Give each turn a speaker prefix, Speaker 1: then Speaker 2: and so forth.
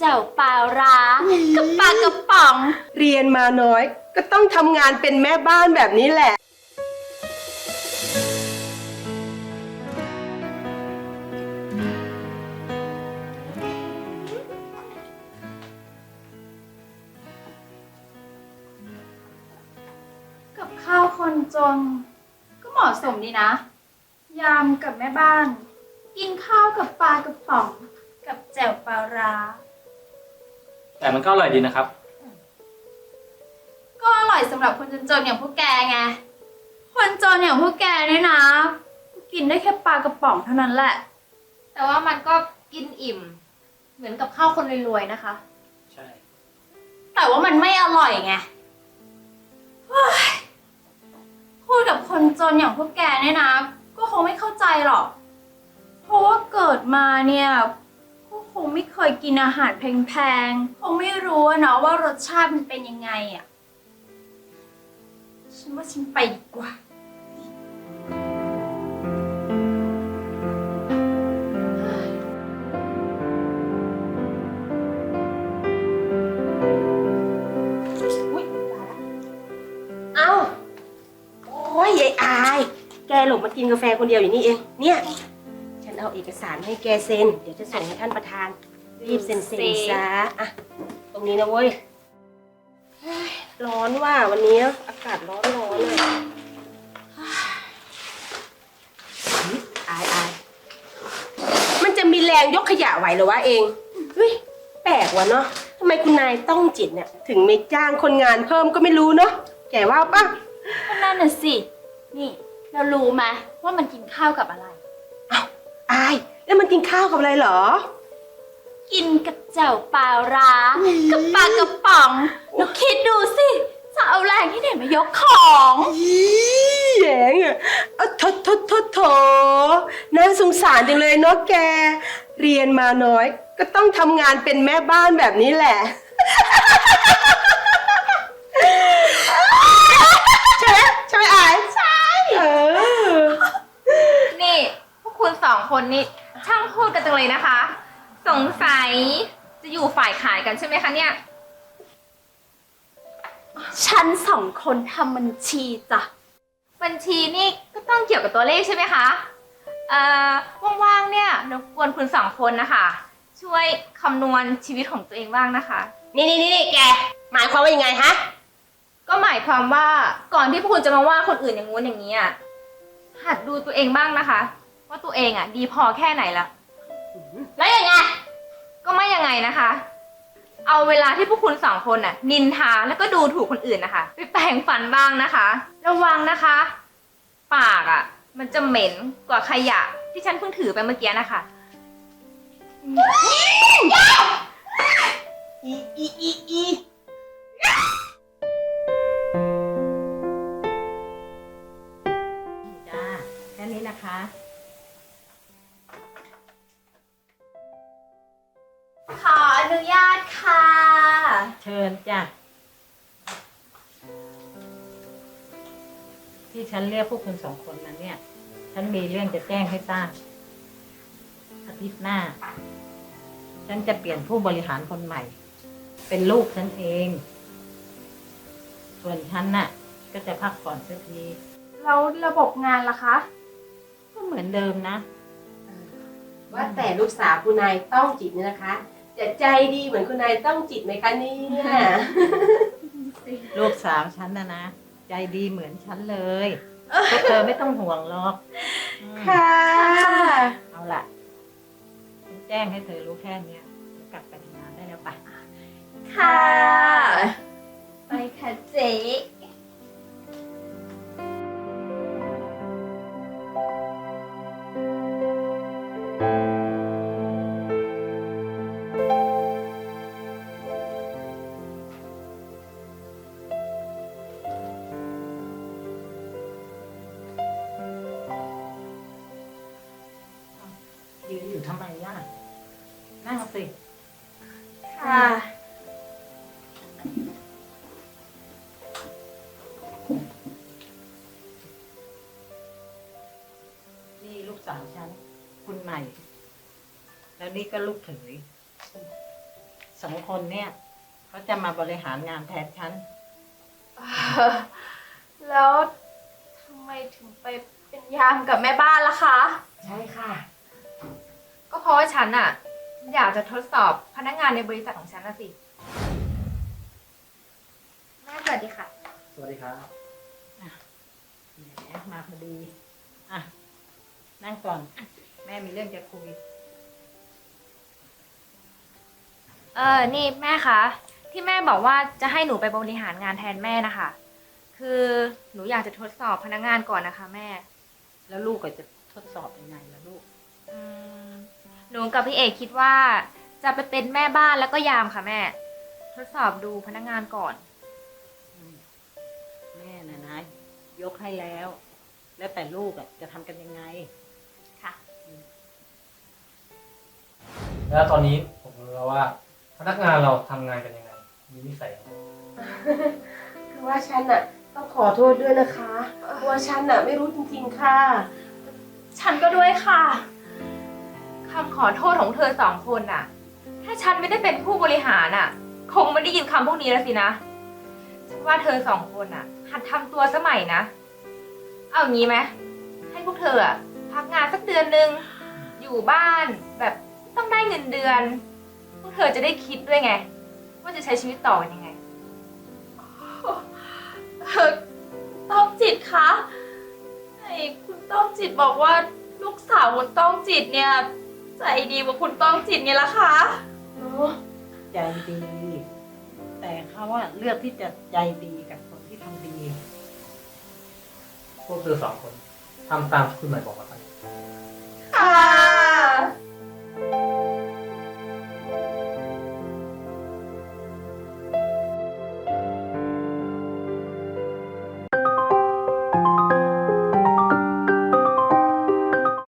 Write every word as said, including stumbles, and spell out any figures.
Speaker 1: จ่วปลาร้ากับปลากระป๋อง
Speaker 2: เรียนมาน้อยก็ต้องทำงานเป็นแม่บ้านแบบนี้แหละ
Speaker 1: กับข้าวคนจนก็เหมาะสมดีนะยามกับแม่บ้านกินข้าวกับปลากระป๋องกับแจ่วปลาร้า
Speaker 3: แต่มันก็อร่อยดีนะครับ
Speaker 1: ก็อร่อยสำหรับคนจนๆอย่างพวกแกไงคนจนอย่างพวกแกเนี่ยนะกินได้แค่ปลากระป๋องเท่านั้นแหละแต่ว่ามันก็กินอิ่มเหมือนกับข้าวคนรวยๆนะคะ
Speaker 3: ใช่
Speaker 1: แต่ว่ามันไม่อร่อยไงพูดกับคนจนอย่างพวกแกเนี่ยนะก็คงไม่เข้าใจหรอกเพราะว่าเกิดมาเนี่ยก็คงไม่เคยกินอาหารแพงๆคงไม่รู้เนาะว่ารสชาติมันเป็นยังไงอ่ะฉันว่าฉันไปดีกว่า
Speaker 2: อุ๊ยตายละเอ้าโอ้ยยายอายแกหลบมากินกาแฟคนเดียวอยู่นี่เองเนี่ยฉันเอาเอกสารให้แกเซ็นเดี๋ยวจะส่งให้ท่านประธานรีบเซ็นเซ็นซะอะตรงนี้นะเว้ยร้อนว่าวันนี้อากาศร้อนร้อนเลยอายอายมันจะมีแรงยกขยะไหวเหรอวะเองเฮ้ยแปลกว่ะเนาะทำไมคุณนายต้องจิตเนี่ยถึงไม่จ้างคนงานเพิ่มก็ไม่รู้เนาะแกว่าปะ
Speaker 1: ก็นั่นน่ะสินี่เรารู้ไหมว่ามันกินข้าวกับอะไร
Speaker 2: อ้าวอายแล้วมันกินข้าวกับอะไรเหรอ
Speaker 1: กินกับแจ่วปลาร้ากับปลากระป๋องหนูคิดดูสิจะเอาแรงที่ไหนมายกของ
Speaker 2: แหงอ่ะเอาทดทดทดโถน่าสงสารจังเลยเนาะแกเรียนมาน้อยก็ต้องทำงานเป็นแม่บ้านแบบนี้แหละใช่ไหมใช่ไหมอาย
Speaker 1: ใช่
Speaker 2: เออ
Speaker 4: นี่พวกคุณสองคนนี่ช่างพูดกันจังเลยนะคะสงสัยจะอยู่ฝ่ายขายกันใช่ไหมคะเนี่ย
Speaker 1: ฉันสองคนทำบัญชีจ้ะ
Speaker 4: บัญชีนี่ก็ต้องเกี่ยวกับตัวเลขใช่ไหมคะเอ่อว่างๆเนี่ยรบกวนคุณสองคนนะคะช่วยคำนวณชีวิตของตัวเองบ้างนะคะ
Speaker 2: นี่นี่นี่แกหมายความว่ายังไงฮะ
Speaker 4: ก็หมายความว่าก่อนที่พวกคุณจะมาว่าคนอื่นอย่างงู้นอย่างนี้อ่ะหัดดูตัวเองบ้างนะคะว่าตัวเองอ่ะดีพอแค่ไหนละ
Speaker 1: แล้วยังไง
Speaker 4: ก็ไม่ยังไงนะคะเอาเวลาที่พวกคุณสองคนน่ะนินทาแล้วก็ดูถูกคนอื่นนะคะไปแปรงฟันบ้างนะคะระวังนะคะปากอ่ะมันจะเหม็นกว่าขยะที่ฉันเพิ่งถือไปเมื่อกี้นะคะ
Speaker 2: อีอีอีอี
Speaker 5: จ้าแค่นี้นะคะ
Speaker 1: ขออนุญาตค่ะ
Speaker 5: เชิญจ้ะที่ฉันเรียกพวกคุณสองคนมาเนี่ยฉันมีเรื่องจะแจ้งให้ทราบอาทิตย์หน้าฉันจะเปลี่ยนผู้บริหารคนใหม่เป็นลูกฉันเองส่วนฉันน่ะก็จะพักผ่อนสักที
Speaker 1: แล้วระบบงานล่ะคะ
Speaker 5: ก็เหมือนเดิมนะ
Speaker 2: ว่าแต่ลูกสาวคุณนายต้องจิตเนี่ยนะคะจะใจดีเหมือนคุณนายต้องจิตไหมคะเนี่ย
Speaker 5: ลูกสาวฉันนะนะใจดีเหมือนฉันเลยพวกเธอไม่ต้องห่วงหรอก
Speaker 2: ค่ะ
Speaker 5: เอาล่ะฉันแจ้งให้เธอรู้แค่เนี้ยกลับไปทำงานได้แล้วไป
Speaker 1: ค่ะไปค่ะเจ๊
Speaker 5: ยืนอยู่ทำไมย่านั่งสิ
Speaker 1: ค่ะ
Speaker 5: นี่ลูกสาวฉันคุณใหม่แล้วนี่ก็ลูกเขยสสองคนเนี่ยเขาจะมาบริหารงานแทนฉัน
Speaker 1: แล้วทำไมถึงไปเป็นยามกับแม่บ้านล่ะคะ
Speaker 2: ใช่ค่ะ
Speaker 4: ก็เพราะว่าฉันอะอยากจะทดสอบพนักงานในบริษัทของฉันนะสิ แม่สวัสดีค่ะ
Speaker 3: สวัสดีครับ
Speaker 5: แหมมาพอดี อ่ะ นั่งก่อน แม่มีเรื่องจะคุย
Speaker 4: เออ นี่แม่คะ ที่แม่บอกว่าจะให้หนูไปบริหารงานแทนแม่นะคะ คือหนูอยากจะทดสอบพนักงานก่อนนะคะแม่
Speaker 5: แล้วลูกก็จะทดสอบยังไงล่ะลูก
Speaker 4: อืมหนูกับพี่เอกคิดว่าจะไปเป็นแม่บ้านแล้วก็ยามค่ะแม่ ทดสอบดูพนักงานก่อน
Speaker 5: อืมแม่นะนะ ยกให้แล้ว แล้วแต่ลูกอ่ะจะทำกันยังไง
Speaker 4: ค่ะ
Speaker 3: แล้วตอนนี้ผมรู้แล้วว่า พนักงานเราทำงานกันยังไง มีนิสัยยังไง
Speaker 2: คือว่าฉันอะต้องขอโทษด้วยนะคะเพราะว่าฉันอะไม่รู้จริงๆค่ะ
Speaker 1: ฉันก็ด้วยค่ะ
Speaker 4: คำขอโทษของเธอสองคนน่ะ ถ้าฉันไม่ได้เป็นผู้บริหารน่ะ คงไม่ได้ยินคำพวกนี้แล้วสินะ ฉันว่าเธอสองคนน่ะ หัดทำตัวสมัยนะ เอางี้ไหมให้พวกเธออะพักงานสักเดือนหนึ่งอยู่บ้านแบบต้องได้เงินเดือน พวกเธอจะได้คิดด้วยไง ว่าจะใช้ชีวิตต่อกันยังไง
Speaker 1: เออต้องจิตคะไอ้คุณต้องจิตบอกว่าลูกสาวคุณต้องจิตเนี่ยใจดีกว่าคุณต้องจิตไงล่ะคะ
Speaker 2: เนาะ
Speaker 5: ใจดี แต่เขาว่าเลือกที่จะใจดีกับคนที่ทำดี
Speaker 3: พวกเธอสองคนทำตามที่คุณหมายบอกมาซะ